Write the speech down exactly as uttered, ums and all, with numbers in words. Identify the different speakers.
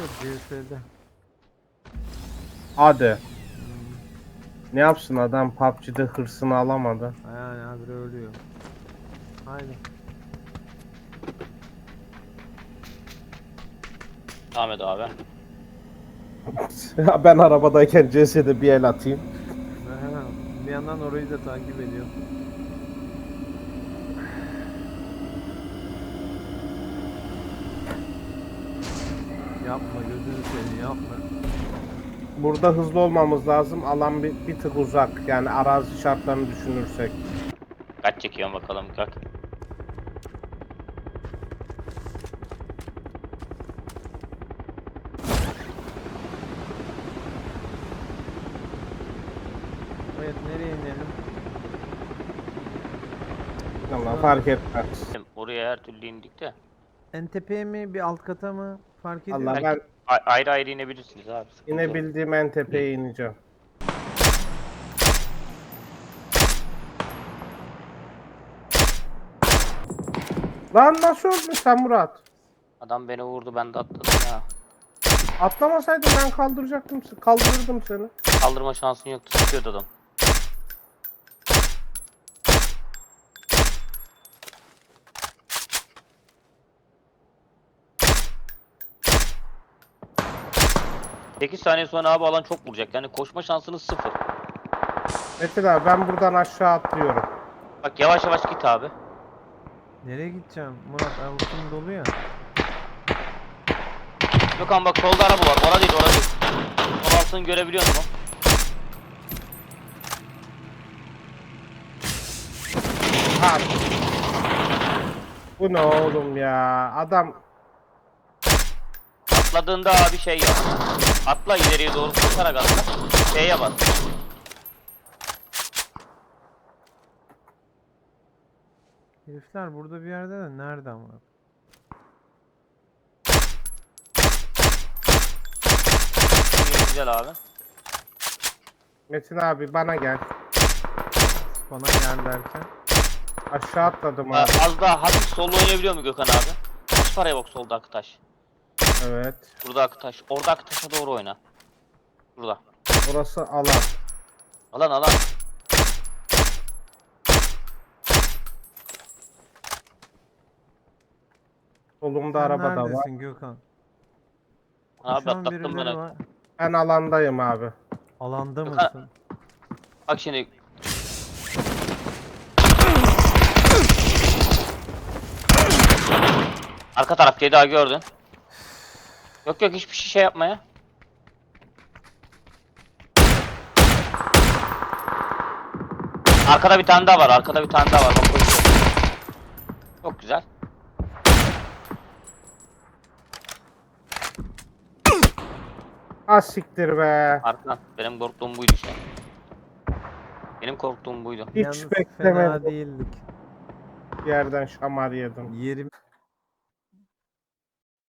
Speaker 1: C S'de.
Speaker 2: Hadi. Ne yapsın adam P U B G'de hırsını alamadı.
Speaker 1: Yani abi ölüyor. Haydi.
Speaker 3: Ahmet abi.
Speaker 2: Ben arabadayken C S'de bir el atayım.
Speaker 1: Aha, bir yandan orayı da takip ediyor. Yapma gözünü seveyim yapma.
Speaker 2: Burada hızlı olmamız lazım. Alan bir, bir tık uzak. Yani arazi şartlarını düşünürsek.
Speaker 3: Kaç çekiyorsun bakalım kalk.
Speaker 1: Evet nereye inelim?
Speaker 2: Allah fark etmez.
Speaker 3: Oraya her türlü indik de.
Speaker 1: En tepeye mi bir alt kata mı? Fark ediyor.
Speaker 2: Allah
Speaker 1: mu?
Speaker 2: ben
Speaker 3: A- ayrı ayrı inebilirsiniz abi. sıkıntı yok.
Speaker 2: inebildiğim en tepeye ineceğim. Lan nasıl öldün sen Murat?
Speaker 3: Adam beni vurdu ben de atladım ya.
Speaker 2: Atlamasaydın ben kaldıracaktım, kaldırırdım seni.
Speaker 3: Kaldırma şansın yoktu, sıkıyordu adam. sekiz saniye sonra abi alan çok vuracak. Yani koşma şansınız sıfır.
Speaker 2: Metin abi ben buradan aşağı atlıyorum.
Speaker 3: Bak yavaş yavaş git abi.
Speaker 1: Nereye gideceğim? Murat avucum dolu ya.
Speaker 3: Gökhan bak solda araba var. Orada değil, orada değil. Sol altını görebiliyor musun?
Speaker 2: Ha. Bu ne oğlum ya? Adam
Speaker 3: Atladığında abi şey yap. Atla ileriye doğru koşarak atla. Şeye bas.
Speaker 1: Herifler burada bir yerde de nerede ama?
Speaker 3: Güzel abi.
Speaker 2: Metin abi bana gel.
Speaker 1: Bana gel derken.
Speaker 2: Aşağı atladım
Speaker 3: Aa,
Speaker 2: abi.
Speaker 3: az daha hafif solda oynayabiliyor mu Gökhan abi? Kaç paraya bak solda Aktaş.
Speaker 2: Evet.
Speaker 3: Burada Aktaş. Orada Aktaş'a doğru oyna. Burada.
Speaker 2: Burası alan.
Speaker 3: Alan alan.
Speaker 2: Solumda
Speaker 1: Sen
Speaker 2: araba da var.
Speaker 1: neredesin Gökhan?
Speaker 3: Abi
Speaker 1: Şu an
Speaker 3: atlattım
Speaker 1: birileri
Speaker 3: ben.
Speaker 1: var.
Speaker 2: Ben alandayım abi.
Speaker 1: Alanda
Speaker 3: Gökhan-
Speaker 1: mısın?
Speaker 3: Bak şimdi. Arka taraf daha gördün. Yok yok hiçbir şey yapma ya. Arkada bir tane daha var. Arkada bir tane daha var. Bak koşuyor. Çok güzel.
Speaker 2: Az siktir be.
Speaker 3: Arkan. Benim korktuğum buydu işte. Benim korktuğum buydu.
Speaker 2: Hiç
Speaker 1: Yalnız
Speaker 2: beklemedim.
Speaker 1: fena değildik.
Speaker 2: Yerden şamar yedim.
Speaker 1: Yerim